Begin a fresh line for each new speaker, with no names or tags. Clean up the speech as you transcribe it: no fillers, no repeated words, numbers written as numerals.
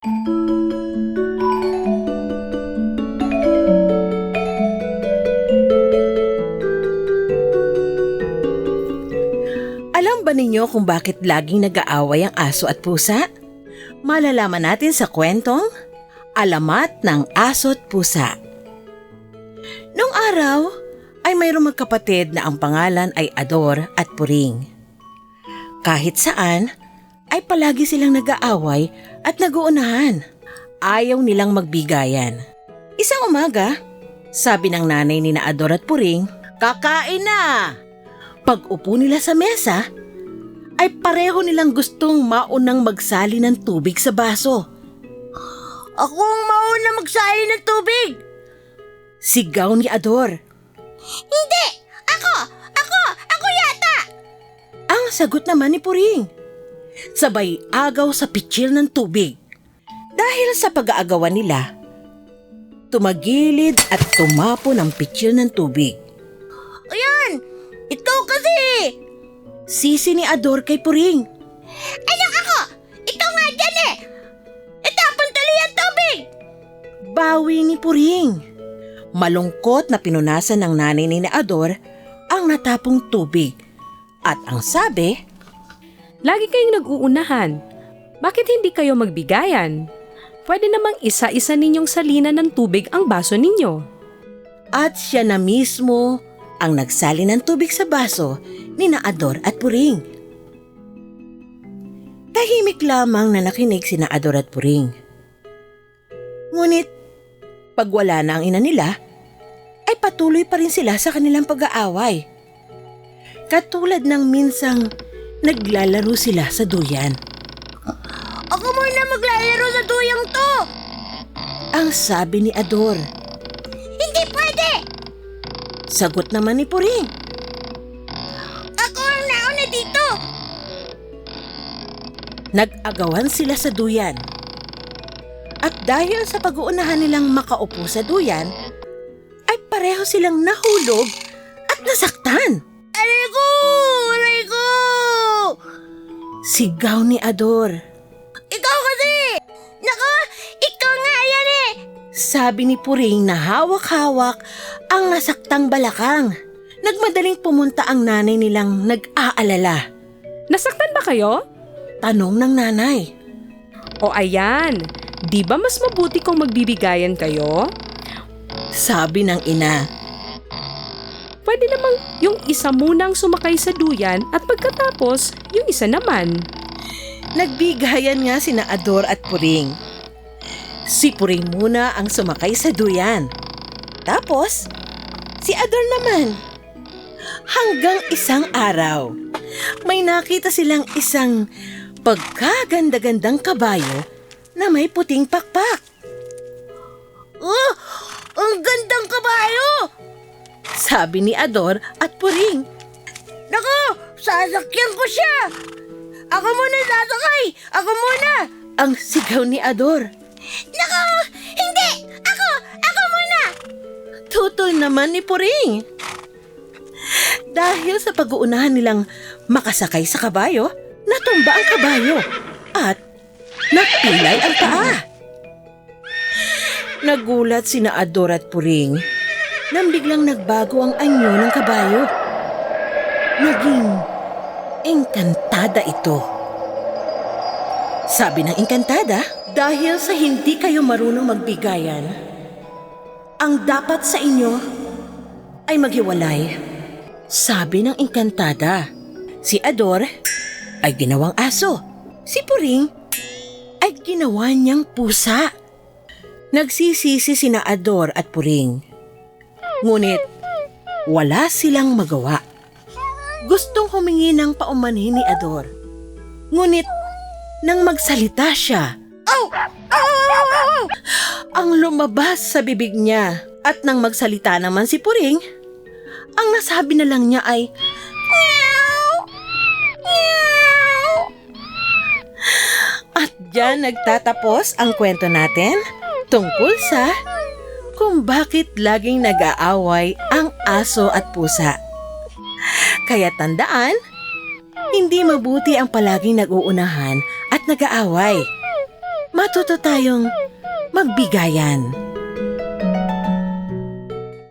Alam ba ninyo kung bakit laging nag-aaway ang aso at pusa? Malalaman natin sa kwentong Alamat ng Aso at Pusa. Noong araw ay mayroong magkapatid na ang pangalan ay Ador at Puring. Kahit saan ay palagi silang nag-aaway at nag-uunahan. Ayaw nilang magbigayan. Isang umaga, sabi ng nanay ni Ador at Puring, "Kakain na!" Pag-upo nila sa mesa, ay pareho nilang gustong maunang magsali ng tubig sa baso.
Ako ang mauna magsali ng tubig!
Sigaw ni Ador.
Hindi! Ako yata!
Ang sagot naman ni Puring. Sabay agaw sa pitsil ng tubig. Dahil sa pag-aagawan nila, tumagilid at tumapo ng pitsil ng tubig.
Ayan! Ito kasi!
Sisi ni Ador kay Puring.
Anak ako! Ito nga dyan eh! Itapon tuloy ang tubig!
Bawi ni Puring. Malungkot na pinunasan ng nanay ni Ador ang natapong tubig. At ang sabi,
Lagi kayong nag-uunahan. Bakit hindi kayo magbigayan? Pwede namang isa-isa ninyong salinan ng tubig ang baso ninyo.
at siya na mismo ang nagsali ng tubig sa baso ni Ador at Puring. Tahimik lamang na nakinig si Ador at Puring. Ngunit, pag wala na ang ina nila, ay patuloy pa rin sila sa kanilang pag-aaway. Katulad ng minsang naglalaro sila sa duyan.
Ako muna maglalaro sa duyang to!
Ang sabi ni Ador.
Hindi pwede!
Sagot naman ni Puring.
Ako ang nauna dito!
Nag-agawan sila sa duyan. At dahil sa pag-uunahan nilang makaupo sa duyan, ay pareho silang nahulog at nasaktan.
Aray ko! Aray ko!
Sigaw ni Ador.
Ikaw kasi! Nako! Ikaw nga yan eh!
Sabi ni Puring na hawak-hawak ang nasaktang balakang. Nagmadaling pumunta ang nanay nilang nag-aalala.
Nasaktan ba kayo?
Tanong ng nanay.
O ayan, di ba mas mabuti kung magbibigayan kayo?
Sabi ng ina.
Pwede namang yung isa munang sumakay sa duyan at pagkatapos, yung isa naman.
Nagbigayan nga sina Ador at Puring. Si Puring muna ang sumakay sa duyan. Tapos, si Ador naman. Hanggang isang araw, may nakita silang isang pagkaganda-gandang kabayo na may puting pakpak.
Oh! Ang gandang kabayo!
Sabi ni Ador at Puring.
Nako! Sasakyan ko siya! Ako muna sasakay! Ako muna!
Ang sigaw ni Ador.
Nako! Hindi! Ako! Ako muna!
Tutol naman ni Puring. Dahil sa pag-uunahan nilang makasakay sa kabayo, natumba ang kabayo at napilay ang paa. Nagulat sina Ador at Puring nang biglang nagbago ang anyo ng kabayo. Naging engkantada ito. Sabi ng engkantada, dahil sa hindi kayo marunong magbigayan, ang dapat sa inyo ay maghiwalay. Sabi ng engkantada, si Ador ay ginawang aso. Si Puring ay ginawa niyang pusa. Nagsisisi sina Ador at Puring. Ngunit wala silang magawa. Gustong humingi ng paumanhin ni Ador. Ngunit nang magsalita siya, ang lumabas sa bibig niya. At nang magsalita naman si Puring, ang nasabi na lang niya ay,
Meow! Meow!
at diyan nagtatapos ang kwento natin tungkol sa kung bakit laging nag-aaway ang aso at pusa. Kaya tandaan, hindi mabuti ang palaging nag-uunahan at nag-aaway. matuto tayong magbigayan.